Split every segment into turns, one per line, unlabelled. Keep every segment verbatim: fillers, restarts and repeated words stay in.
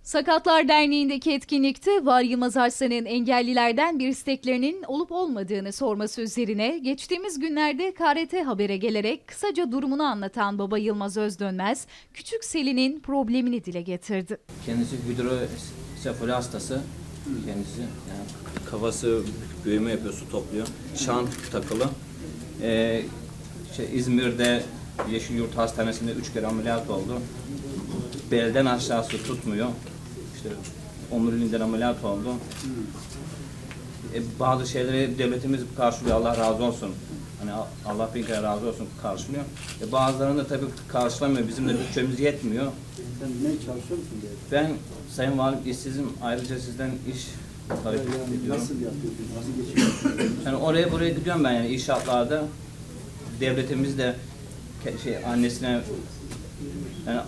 Sakatlar Derneği'ndeki etkinlikte Var Yılmaz Arslan'ın engellilerden bir isteklerinin olup olmadığını sorması üzerine geçtiğimiz günlerde K R T Haber'e gelerek kısaca durumunu anlatan baba Yılmaz Özdönmez, küçük Selin'in problemini dile getirdi.
Kendisi hidrosefali hastası. Kendisi yani kafası büyüme yapıyor, su topluyor. Şant takılı. Ee, şey, İzmir'de Yeşilyurt Hastanesi'nde üç kere ameliyat oldu. Belden aşağısı tutmuyor. İşte omuriliğinden ameliyat oldu. E, bazı şeyleri devletimiz karşılıyor, Allah razı olsun. Hani Allah bin kere razı olsun karşılıyor. E, bazılarını da tabii karşılamıyor, bizim de bütçemiz yetmiyor.
Sen ne çalışıyor musun diye?
Ben Sayın Valim işsizim, ayrıca sizden iş talep
Yani
ediyorum.
nasıl yapıyorsun, nasıl geçiyorsun?
Yani oraya buraya gidiyorum ben yani inşaatlarda. Devletimiz de şey annesine yani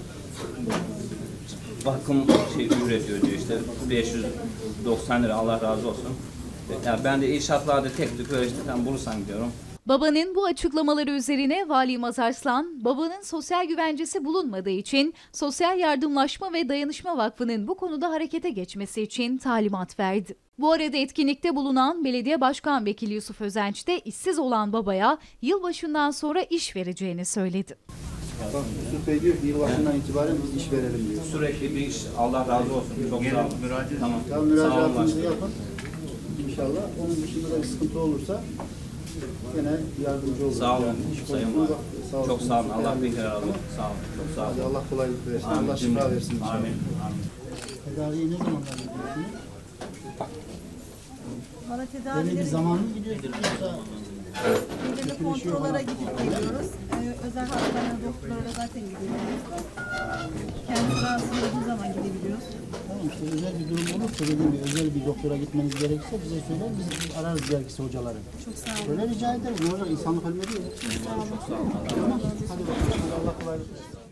bakım şey ücretiyor diyor işte beş yüz doksan lira, Allah razı olsun. Yani ben de inşaatlarda tek tük böyle işte tam bulursan diyorum.
Babanın bu açıklamaları üzerine Vali Yılmaz Arslan, babanın sosyal güvencesi bulunmadığı için Sosyal Yardımlaşma ve Dayanışma Vakfı'nın bu konuda harekete geçmesi için talimat verdi. Bu arada etkinlikte bulunan Belediye Başkan Vekili Yusuf Özenç de işsiz olan babaya yılbaşından sonra iş vereceğini söyledi.
Bak Yusuf Bey diyor ki yılbaşından itibaren biz iş verelim diyor.
Sürekli bir iş, Allah razı olsun. Çok sağ olun. Tamam.
Tamam, müracaatınızı yapın. İnşallah. Onun dışında da bir sıkıntı olursa yine yardımcı oluruz.
Sağ olun
Yani iş
Sayın
konusunda
Valim. Çok sağ olun. Allah bin kere razı olsun. Sağ olun. Çok sağ olun.
Hadi Allah kolaylık versin.
Amin.
Allah şifa versin inşallah.
Amin. Amin.
Tedaviye ne zamanlar gidiyorsunuz?
Bana
Belli bir
tedavileri
zaman mı gidiyorsunuz yoksa?
belirli kontrollara gidip geliyoruz. Ee, özel hastanelere, doktorlara zaten gidiyoruz. Kendi rahatsız olduğu zaman gidebiliyoruz.
Tamam işte özel bir durum olursa dediğim gibi özel bir doktora gitmeniz gerekirse bize söyler, biz ararız gerekirse hocaları.
Çok sağ olun.
Öyle rica ederim. Ne olacak? İnsanlık ölmedi ya.
Sağ olun.
Tamam. Hadi bakalım. Allah kolaylık versin.